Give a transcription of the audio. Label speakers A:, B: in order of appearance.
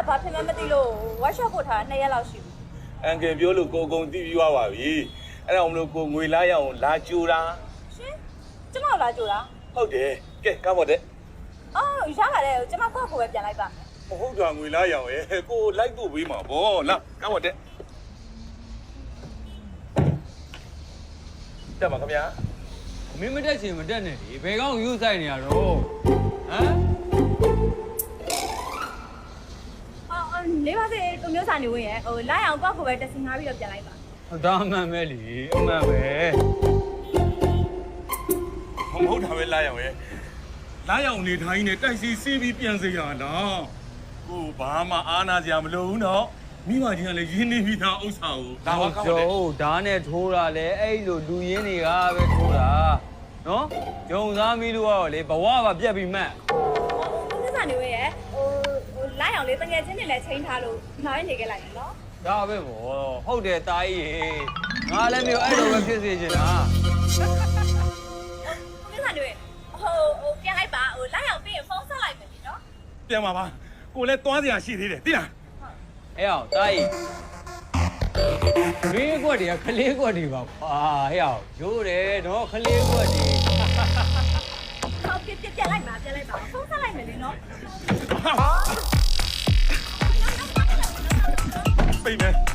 A: ဘာဖြစ်မှမသိလို့ workshop ပို့ထား2ရက်လောက်ရှိပြီ
B: အန်ကယ်ပြောလို့ကိုကုံတီးပြီးသွားပါပြီအဲ့ဒါမလို့ကိုငွေလားရအောင်လာကြိုတာ
A: ရှင်ကျမလာကြိုတာ
B: ဟုတ်တယ်ကဲကားပေါ်တဲ့
A: အော်ရပါတယ်ကျမကိုပဲပြန်လိုက်ပါ
B: မဟုတ်တာငွေလားရအောင်ရဲ့ကိုလိုက်ဖို့ပေးမှာဗောလာကားပေါ်တဲ့တက်ပါခင်ဗျာ
C: မင်းမတက်ချင်မတက်နဲ့ဒီဘယ်ကောင်ယူဆိုင်နေရတော့ဟမ်
A: နေပါစေသူမျိုးစာနေဝင်ရဲ့လိုက်အောင်ကိုပဲတက်စင်ငါပြီးတော့ပြန်လိုက်ပါ
C: ဒါမှန်ပဲလေအမှန်ပဲ
B: မဟုတ်တာပဲလာရအောင်ရဲ့လာရအောင်နေထိုင်းနေတိုက်စီစီးပြီးပြန်စေရလားကိုဘာမှအားနာစရာမလိုဘူးနော်မိမကြီးကလည်းရင်းနေပြီးသားဥစ္စာကို
C: ဒါပါကောင်းတယ်ဟုတ်ဓာတ်နဲ့ထိုးတာလေအဲ့လိုလူရင်းတွေကပဲထိုးတာနော်ဂျုံသားမီးလို့ကတော့လေဘဝပါပြက်ပြီးမှတ်
A: သူမျိုးစာနေဝင်ရဲ့လိုက်အောင်လေတကယ်ချင်းနေလဲချိန်ထားလို့နောက်ရနေခဲ့လိုက်နော်
C: ဒါပဲဗောဟုတ်တယ်တာကြီးရေငါလည်းမျိုးအဲ့လိုပဲဖြစ်စေချင်တာ
A: သူမျိုးစာနေဝင်ပြန်လိုက်ပါလိုက်အောင်ပြီးရင်ဖုန်းဆက်လိုက်မယ်နော်
B: ပြန်ပါပါကိုလည်းသွားစရာရှိသေးတယ်သိလား
C: အဲ့အောင်တာကြီးမင်းကွက်တွေကခလေးကွက်တွေပါကွာဟဲ့အောင်ရိုးတယ်နော်ခလေးကွက်တွေ
A: ဟုတ်ပြန်လိုက်ပါဖုန်းဆက်လိုက်မယ်လေနော်
B: ပိတ်မယ်